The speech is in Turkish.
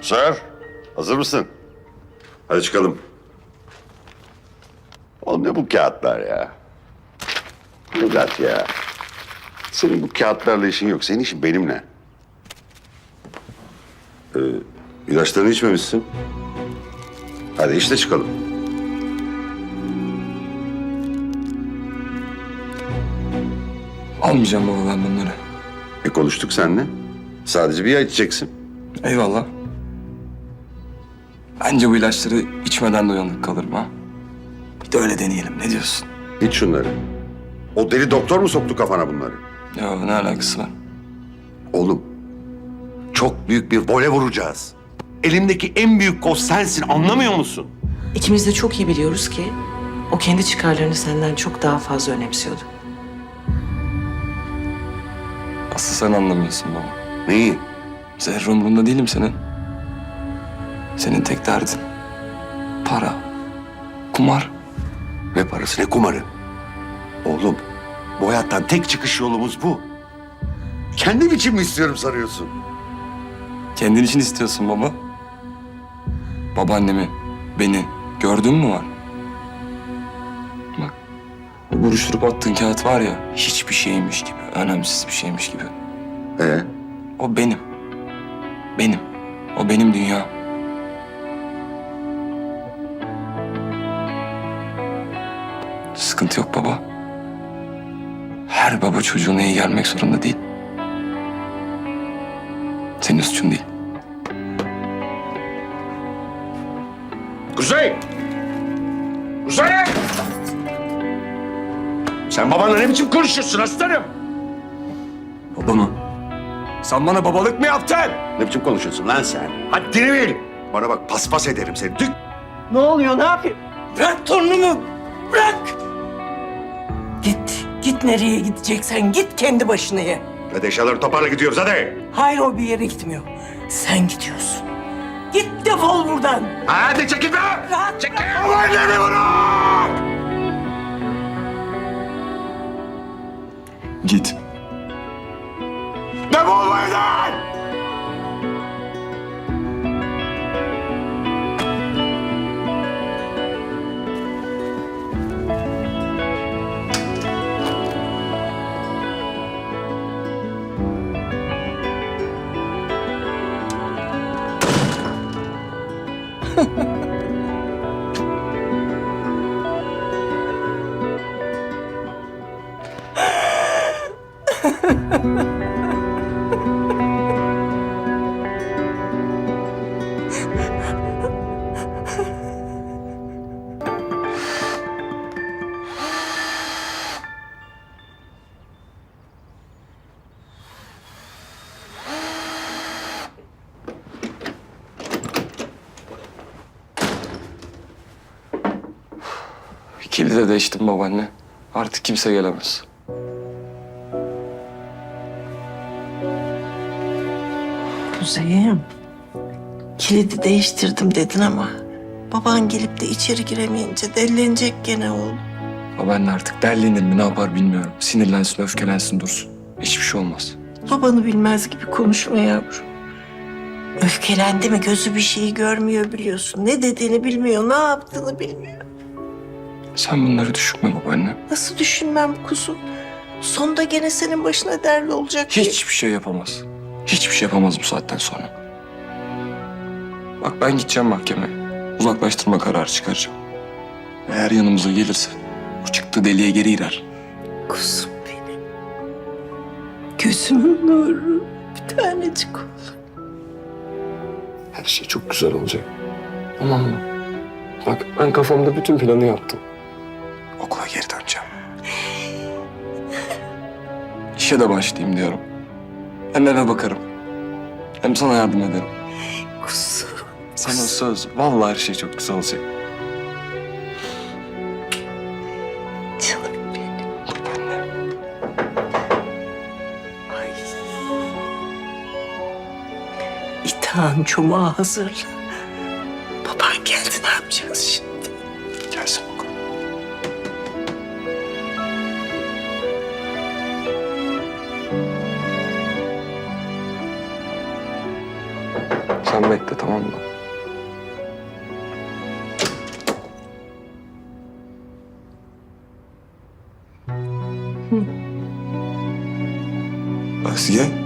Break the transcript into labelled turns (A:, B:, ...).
A: Sir, hazır mısın? Hadi çıkalım. Oğlum ne bu kağıtlar ya? Necat ya. Senin bu kağıtlarla işin yok. Senin işin benimle. İlaçlarını içmemişsin. Hadi işte çıkalım.
B: Almayacağım baba ben bunları.
A: Konuştuk seninle. Sadece bir ay içeceksin.
B: Eyvallah. Bence bu ilaçları içmeden de uyanık kalırım ha. Bir de öyle deneyelim. Ne diyorsun?
A: İç şunları. O deli doktor mu soktu kafana bunları?
B: Ya ne alakası var?
A: Oğlum, çok büyük bir vole vuracağız. Elimdeki en büyük koz sensin, anlamıyor musun?
C: İkimiz de çok iyi biliyoruz ki o kendi çıkarlarını senden çok daha fazla önemsiyordu.
B: Asıl sen anlamıyorsun baba.
A: Neyi?
B: Zerre umurunda değilim senin. Senin tek derdin para, kumar.
A: Ne parası, ne kumarı? Oğlum, bu hayattan tek çıkış yolumuz bu. Kendim için mi istiyorum sanıyorsun?
B: Kendin için istiyorsun baba. Babaannemi, beni gördün mü var? Bak, o buruşturup attığın kağıt var ya, hiçbir şeymiş gibi, önemsiz bir şeymiş gibi. O benim. Benim. O benim dünya. Sıkıntı yok baba. Her baba çocuğuna iyi gelmek zorunda değil. Senin suçun değil.
A: Kuzey! Kuzey! Sen babanla ne biçim konuşuyorsun aslanım?
B: Baba mı? Sen bana babalık mı yaptın?
A: Ne biçim konuşuyorsun lan sen? Haddini bil! Bana bak paspas ederim seni. Dük!
D: Ne oluyor, ne yapayım? Bırak torunumu, bırak! Git, git nereye gideceksen git kendi başına ye.
A: Hadi eşyaları toparla gidiyoruz hadi.
D: Hayır, o bir yere gitmiyor. Sen gidiyorsun. Git defol buradan.
A: Hadi çekil be!
D: Rahat
A: Çekil! Babaannemi bırak!
B: Git.
A: Defol bu evden!
B: Kilidi de değiştim babaanne. Artık kimse gelemez.
D: Kuzey'im, kilidi değiştirdim dedin ama baban gelip de içeri giremeyince dellenecek gene oğlum.
B: Babaanne artık derlenir mi ne yapar bilmiyorum. Sinirlensin, öfkelensin dursun. Hiçbir şey olmaz.
D: Babanı bilmez gibi konuşma yavrum. Öfkelendi mi gözü bir şeyi görmüyor biliyorsun. Ne dediğini bilmiyor, ne yaptığını bilmiyor.
B: Sen bunları düşünme babaanne.
D: Nasıl düşünmem kuzum? Sonunda gene senin başına derdi olacak.
B: Hiçbir şey yapamaz. Hiçbir şey yapamaz bu saatten sonra. Bak ben gideceğim mahkemeye. Uzaklaştırma kararı çıkaracağım. Eğer yanımıza gelirse bu çıktığı deliğe geri girer.
D: Kuzum benim. Gözümün nuru. Bir tanecik oğlum.
B: Her şey çok güzel olacak. Tamam mı? Bak ben kafamda bütün planı yaptım. Okula geri döneceğim. İşe de başlayayım diyorum. Hem eve bakarım. Hem sana yardım ederim.
D: Kuzum.
B: Sana söz. Vallahi her şey çok güzel olacak.
D: Canım benim.
B: Anne.
D: Ay. İtağın çomağı hazırla. Baban geldi, ne yapacağız şimdi?
B: Gelsin bakalım. Sen bekle, tamam mı? Asiye.